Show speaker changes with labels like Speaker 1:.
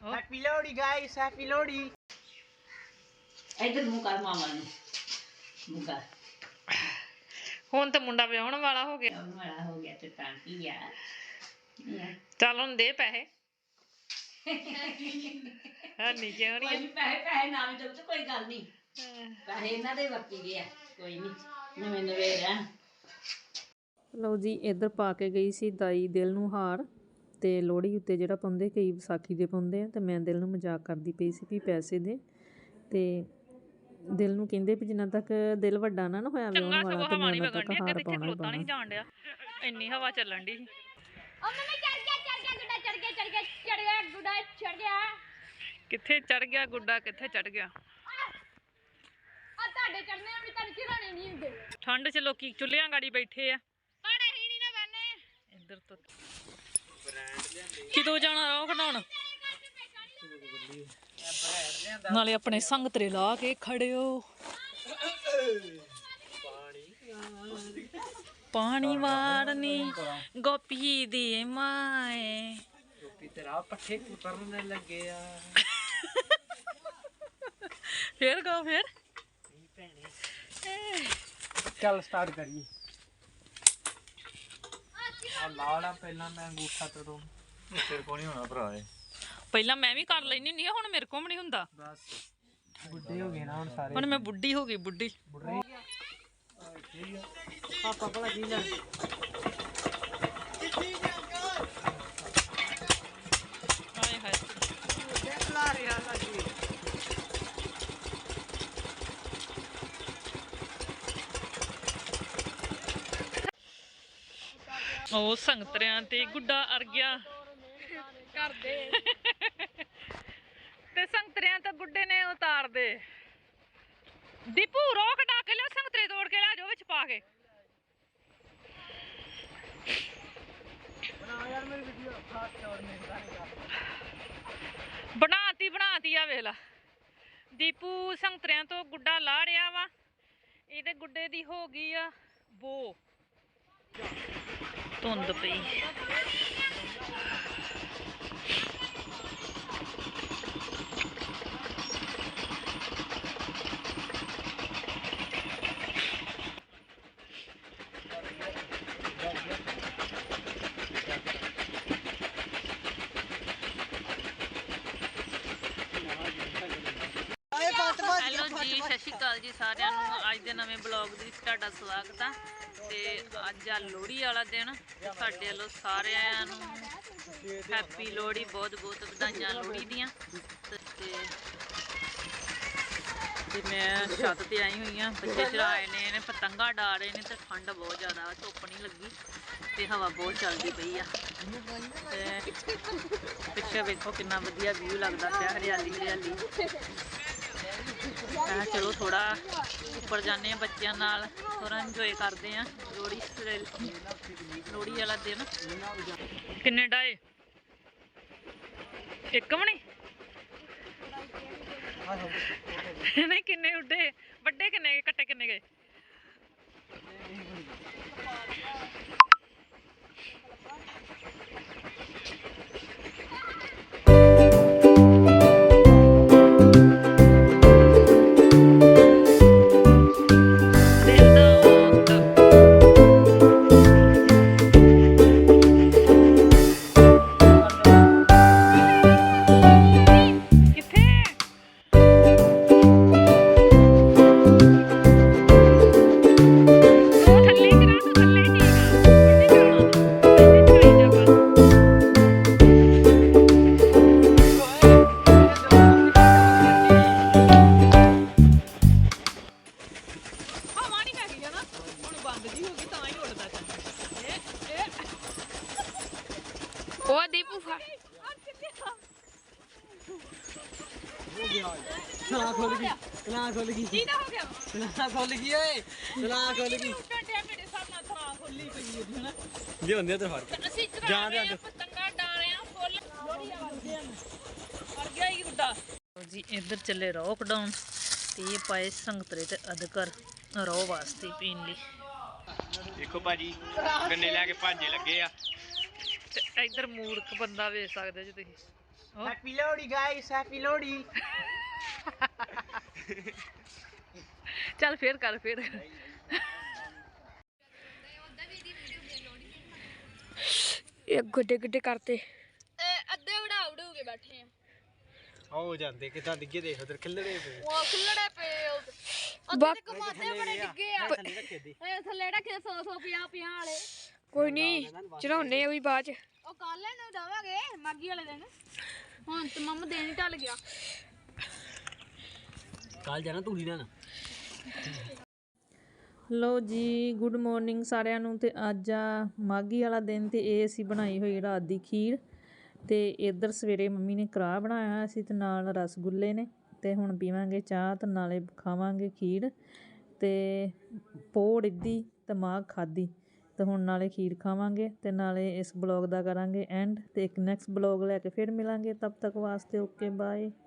Speaker 1: Happy Lohri guys, happy Lohri.
Speaker 2: इधर मुंह कर मामा ने मुंह कर
Speaker 3: ਹੁਣ ਤੇ ਮੁੰਡਾ ਵਿਆਹਣ ਵਾਲਾ ਹੋ ਗਿਆ
Speaker 2: वाला हो गया तो टांकी यार
Speaker 3: ਚੱਲ ਹੁਣ ਦੇ ਪੈਸੇ ਹਾਂ ਨਹੀਂ ਕਿਉਂ
Speaker 2: कोई
Speaker 3: ਨਹੀਂ
Speaker 2: भी पैसे पैसे ना भी दो तो कोई गल नहीं पैसे इन्हां दे वरती गए कोई नहीं नवे नवे रहन।
Speaker 3: ਲਓ ਜੀ ਇੱਧਰ ਪਾ ਕੇ ਗਈ ਸੀ ਦਾਈ ਦਿਲ ਨੂੰ ਹਾਰ ਤੇ ਲੋਹੜੀ ਉੱਤੇ ਜਿਹੜਾ ਪਾਉਂਦੇ ਕਈ ਵਿਸਾਖੀ ਦੇ ਪਾਉਂਦੇ ਆ ਤੇ ਮੈਂ ਦਿਲ ਨੂੰ ਮਜ਼ਾਕ ਕਰਦੀ ਪਈ ਸੀ ਵੀ ਪੈਸੇ ਦੇ ਤੇ ਦਿਲ ਨੂੰ ਕਹਿੰਦੇ ਵੀ ਜਿੰਨਾ ਤੱਕ ਦਿਲ ਵੱਡਾ ਨਾ ਹੋਇਆ ਵਿਆਹਣ ਵਾਲਾ ਤੇ ਮੈਂ ਤੱਕ ਹਾਰ ਪਾਉਣਾ ਨਹੀਂ ਜਾਣ ਡਿਆ ਇੰਨੀ ਹਵਾ ਚੱਲਣ ਦੀ
Speaker 4: ਉਹ ਮੈਂ ਚੜ ਗਿਆ ਗੁੱਡਾ ਚੜ ਗਿਆ
Speaker 3: ਕਿੱਥੇ ਚੜ ਗਿਆ ਗੁੱਡਾ ਕਿੱਥੇ ਚੜ ਗਿਆ
Speaker 4: ਆ ਤੁਹਾਡੇ ਚੜਨੇ ਵੀ ਤੁਹਾਨੂੰ ਚਿਰਾਣੇ ਨਹੀਂ ਹੁੰਦੇ
Speaker 3: ਠੰਡ 'ਚ ਲੋਕੀ ਚੁੱਲ੍ਹਿਆਂ ਗਾੜੀ ਬੈਠੇ ਆ
Speaker 4: ਪਰ ਅਸੀਂ ਨਹੀਂ ਨਾ ਬੰਨੇ
Speaker 3: ਇੱਧਰ ਤੋਂ ਕਿਦੋਂ ਜਾਣਾ ਰੋ ਘਟਾਉਣ ਨਾਲੇ ਆਪਣੇ ਸੰਗਤਰੇ ਲਾ ਕੇ ਖੜਿਓ ਪਾਣੀ ਵਾਰਨੀ ਗੋਪੀ ਦੀ ਮਾਏ
Speaker 1: गोपी तेरा पट्ठे कुतरने लगे यार।
Speaker 3: फिर गाओ फिर
Speaker 1: चल स्टार्ट करिए। लाड़ा पहला मैं अंगूठा तोड़ूं तेरे को नहीं होना भरा है
Speaker 3: ਪਹਿਲਾਂ ਮੈਂ ਵੀ ਕਰ ਲੈਣੀ ਨਹੀਂ ਹੁਣ ਮੇਰੇ ਕੋਲ ਵੀ ਨਹੀਂ ਹੁੰਦਾ
Speaker 1: बस बुढ़े हो गए ना हुन सारे
Speaker 3: ਹੁਣ ਮੈਂ ਬੁੱਢੀ ਹੋ ਗਈ ਬੁੱਢੀ
Speaker 1: पापा भला की ले
Speaker 3: ਹਾਏ ਹਾਏ
Speaker 1: देखला रिया लगी
Speaker 3: ਉਹ ਸੰਗਤਰਿਆਂ ਤੇ ਗੁੱਡਾ ਅਰ ਗਿਆ
Speaker 4: ਕਰਦੇ
Speaker 3: ਤੇ ਸੰਗਤਰਿਆਂ ਤਾਂ ਗੁੱਡੇ ਨੇ ਉਤਾਰ ਦੇ ਦੀਪੂ ਰੋਕ ਡਾ ਕੇ ਲਿਆ ਸੰਗਤਰੇ ਤੋੜ ਕੇ ਲੈ ਜਾਓ ਵਿੱਚ ਪਾ ਕੇ
Speaker 1: बना यार मेरी वीडियो खास तौर में
Speaker 3: ਬਣਾਤੀ ਆ ਵੇਖ ਲਾ ਦੀਪੂ ਸੰਗਤਰਿਆਂ ਤੋਂ ਗੁੱਡਾ ਲਾ ਰਿਹਾ ਵਾ ਇਹਦੇ ਗੁੱਡੇ ਦੀ ਹੋ ਗਈ ਆ ਬੋ ਧੁੰਦ ਪਈ ਹੈਲੋ ਜੀ ਸਤਿ ਸ਼੍ਰੀ ਅਕਾਲ ਜੀ ਸਾਰਿਆਂ ਨੂੰ ਅੱਜ ਦੇ ਨਵੇਂ ਬਲੌਗ ਦੇ ਵਿੱਚ ਤੁਹਾਡਾ ਸਵਾਗਤ ਆ ਤੇ ਅੱਜ ਆ ਲੋਹੜੀ ਵਾਲਾ ਦਿਨ ਸਾਡੇ ਵੱਲੋਂ ਸਾਰਿਆਂ ਨੂੰ ਹੈਪੀ ਲੋਹੜੀ ਬਹੁਤ ਬਹੁਤ ਵਧਾਈਆਂ ਲੋਹੜੀ ਦੀਆਂ ਤੇ ਮੈਂ ਛੱਤ ਤੇ ਆਈ ਹੋਈ ਆ ਬੱਚੇ ਚੜਾਏ ਨੇ ਪਤੰਗਾ ਡਾ ਰਹੇ ਨੇ ਤੇ ਠੰਡ ਬਹੁਤ ਜ਼ਿਆਦਾ ਧੁੱਪ ਨਹੀਂ ਲੱਗੀ ਤੇ ਹਵਾ ਬਹੁਤ ਚੱਲਦੀ ਪਈ ਆ ਤੇ ਪਿੱਛੇ ਵੇਖੋ ਕਿੰਨਾ ਵਧੀਆ ਵਿਊ ਲੱਗਦਾ ਪਿਆ ਹਰਿਆਲੀ ਹਰਿਆਲੀ ਚਲੋ ਥੋੜਾ ਉੱਪਰ ਜਾਂਦੇ ਆ ਬੱਚਿਆਂ ਨਾਲ ਥੋੜਾ ਇੰਜੋਏ ਕਰਦੇ ਆ ਲੋਹੜੀ ਵਾਲਾ ਦਿਨ ਕਿੰਨੇ ਡਾਏ ਇੱਕ ਵੀ ਨਹੀਂ ਕਿੰਨੇ ਉੱਡੇ ਵੱਡੇ ਕਿੰਨੇ ਗਏ ਕੱਟੇ ਕਿੰਨੇ ਗਏ ਉਹ ਦੀਪੂ ਫੜ
Speaker 1: चला खोल गई
Speaker 4: ਕੀ ਨਾ ਹੋ ਗਿਆ
Speaker 1: चला खोल गई ओए चला खोल गई
Speaker 4: ਟੰਡਿਆ ਮੇਰੇ ਸਾਹਮਣੇ ਥਰਾ ਖੋਲੀ ਪਈ ਹੈ ਹਨਾ
Speaker 1: जे होंदे तो फड़
Speaker 4: ਅਸੀਂ ਚੜਾ ਰਹੇ ਆ ਪਤੰਗਾ ਡਾ ਰਹੇ ਆ ਫੁੱਲ ਲੋਹੜੀ ਵਾਲੇ ਅਰ ਗਿਆ ਹੀ ਗੁੱਡਾ
Speaker 3: ਜੀ ਇੱਧਰ ਚੱਲੇ ਲੋਕਡਾਊਨ ਤੇ ਇਹ ਪਾਏ ਸੰਗਤਰੇ ਤੇ ਅਦਕਰ ਰੋ ਵਾਸਤੇ ਪੀਣ ਲਈ
Speaker 1: देखो भाजी गन्ने लेके भाजे लगे आ
Speaker 3: ਤੇ ਇੱਧਰ ਮੂਰਖ ਬੰਦਾ ਵੇਖ ਸਕਦੇ ਜੀ ਤੁਸੀਂ
Speaker 1: happy Lohri guys, happy Lohri.
Speaker 4: ਚੱਲ ਫੇਰ ਕਰ ਫੇਰ। ਇਹ ਗੱਡੇ ਗੱਡੇ ਕਰਤੇ ਅੱਧੇ ਵੜਾ ਕੇ ਬੈਠੇ ਆ।
Speaker 1: ਹੋ ਜਾਂਦੇ ਕਿਦਾਂ ਡਿੱਗੇ ਦੇਖ ਉਧਰ ਖਿੱਲੜੇ ਪਏ।
Speaker 4: ਉਹ ਖੁੱਲੜੇ ਪਏ ਅੱਧੇ ਕਮਾਦੇ ਬੜੇ ਡਿੱਗੇ ਆ।
Speaker 1: ਥੱਲੇ ਰੱਖੇ ਦੀ
Speaker 4: ਇਹ ਥੱਲੇ ਰੱਖੇ 100 100 50 50 ਵਾਲੇ। ਕੋਈ ਨਹੀਂ ਚੜਾਉਣੇ ਆ ਵੀ ਬਾਅਦ ਚ। ਉਹ ਕੱਲ ਨੂੰ ਦਵਾਂਗੇ ਮਾਗੀ ਵਾਲੇ ਦਿਨ। ਹੁਣ ਤੇ ਮੰਮ ਦੇਣ ਹੀ ਢਲ ਗਿਆ।
Speaker 1: ਕੱਲ ਜਾਣਾ ਧੂੜੀ ਲੈਣ।
Speaker 3: ਲੋ ਜੀ ਗੁੱਡ ਮਾਰਨਿੰਗ ਸਾਰਿਆਂ ਨੂੰ। ਤੇ ਅੱਜ ਆ ਮਾਘੀ ਵਾਲਾ ਦਿਨ ਤੇ ਇਹ ਅਸੀਂ ਬਣਾਈ ਹੋਈ ਰਾਤ ਦੀ ਖੀਰ। ਤੇ ਇੱਧਰ ਸਵੇਰੇ ਮੰਮੀ ਨੇ ਕੜਾਹ ਬਣਾਇਆ ਹੋਇਆ ਸੀ ਤੇ ਨਾਲ ਰਸਗੁੱਲੇ ਨੇ। ਤੇ ਹੁਣ ਪੀਵਾਂਗੇ ਚਾਹ ਤੇ ਨਾਲੇ ਖਾਵਾਂਗੇ ਖੀਰ। ਤੇ ਪੋਹ ਰਿੱਧੀ ਤੇ ਮਾਘ ਖਾਧੀ ਤੇ ਹੁਣ ਨਾਲੇ ਖੀਰ ਖਾਵਾਂਗੇ ਤੇ ਨਾਲੇ ਇਸ ਬਲੌਗ ਦਾ ਕਰਾਂਗੇ ਐਂਡ। ਤੇ ਇੱਕ ਨੈਕਸਟ ਬਲੌਗ ਲੈ ਕੇ ਫਿਰ ਮਿਲਾਂਗੇ। ਤਬ ਤੱਕ ਵਾਸਤੇ ਓਕੇ ਬਾਏ।